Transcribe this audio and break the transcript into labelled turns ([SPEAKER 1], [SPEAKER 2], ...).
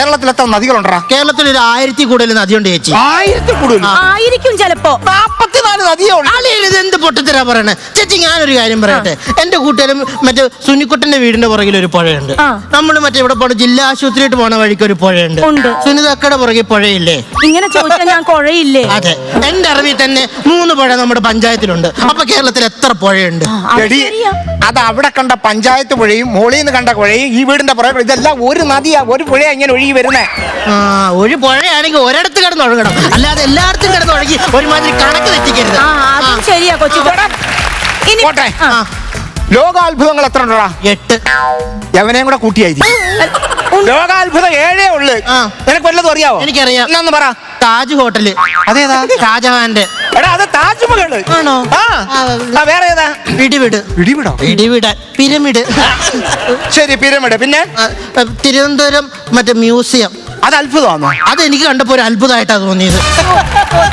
[SPEAKER 1] കേരളത്തിൽ എത്ര നദികളുണ്ടാ?
[SPEAKER 2] കേരളത്തിൽ ഒരു 1000 കൂടുതൽ നദിയുണ്ട് ചേച്ചി.
[SPEAKER 1] 1000 കൂടുതൽ
[SPEAKER 3] ആയിരിക്കും ചിലപ്പോ.
[SPEAKER 1] 44 നദിയേ ഉള്ളൂ.
[SPEAKER 2] ഇത് എന്ത് പൊട്ടത്തരാ പറയണേ ചേച്ചി? ഞാനൊരു കാര്യം പറയട്ടെ. എന്റെ കൂട്ടുകാരും മറ്റേ സുനിക്കുട്ടന്റെ വീടിന്റെ പുറകിൽ ഒരു പുഴയുണ്ട്. നമ്മൾ മറ്റേ ഇവിടെ പോണ ജില്ലാ ആശുപത്രിയിട്ട് പോണ വഴിക്ക് ഒരു പുഴയുണ്ട്. സുനിതക്കയുടെ പുറകിൽ പുഴയില്ലേ?
[SPEAKER 3] ഇങ്ങനെ ചോദിച്ചാൽ ഞാൻ കുഴയില്ലേ?
[SPEAKER 2] അതെ, എന്റെ അറിവിൽ തന്നെ 3 പുഴ നമ്മുടെ പഞ്ചായത്തിലുണ്ട്. അപ്പൊ കേരളത്തിൽ എത്ര പുഴയുണ്ട്?
[SPEAKER 1] അത് അവിടെ കണ്ട പഞ്ചായത്ത് പുഴയും മോളിൽ നിന്ന് കണ്ട പുഴയും ഈ വീടിന്റെ പുറകെ ഇതെല്ലാം ഒരു നദിയാ, ഒരു പുഴ ഇങ്ങനെ ഒഴുകി വരുന്നേ.
[SPEAKER 2] ഒരു പുഴയാണെങ്കിൽ ഒരിടത്ത് കിടന്ന് ഒഴുകണം, അല്ലാതെ എല്ലായിടത്തും കിടന്ന് ഒഴുകി ഒരുമാതിരി കണക്ക് തെറ്റിക്കരുത്.
[SPEAKER 3] ശരിയാ കൊച്ചു.
[SPEAKER 1] പോട്ടെ. ലോകാത്ഭുതങ്ങൾ എത്ര ഉണ്ടോടാ?
[SPEAKER 2] 8.
[SPEAKER 1] എവനെയും കൂടെ കൂട്ടിയായിരിക്കും. ലോകാത്ഭുതം 7 ഉള്ളു. നിനക്ക് വല്ലതും അറിയാവോ?
[SPEAKER 2] എനിക്കറിയാം.
[SPEAKER 1] എന്നാന്ന് പറ.
[SPEAKER 2] താജ് ഹോട്ടല്.
[SPEAKER 1] അതേതാ?
[SPEAKER 2] ഷാജഹാന്റെ.
[SPEAKER 1] എടാ അത് താജ്മഹൽ
[SPEAKER 2] ആണോ?
[SPEAKER 1] വേറെ ഏതാ?
[SPEAKER 2] പിടിവിട്.
[SPEAKER 1] പിടിവിടോ?
[SPEAKER 2] പിടിവിടാൻ പിരമിഡ്.
[SPEAKER 1] ശരി, പിരമിഡ്. പിന്നെ
[SPEAKER 2] തിരുവനന്തപുരം മറ്റേ മ്യൂസിയം.
[SPEAKER 1] അത് അത്ഭുതമാണോ?
[SPEAKER 2] അതെനിക്ക് കണ്ടപ്പോ ഒരു അത്ഭുതമായിട്ടാ തോന്നിയത്.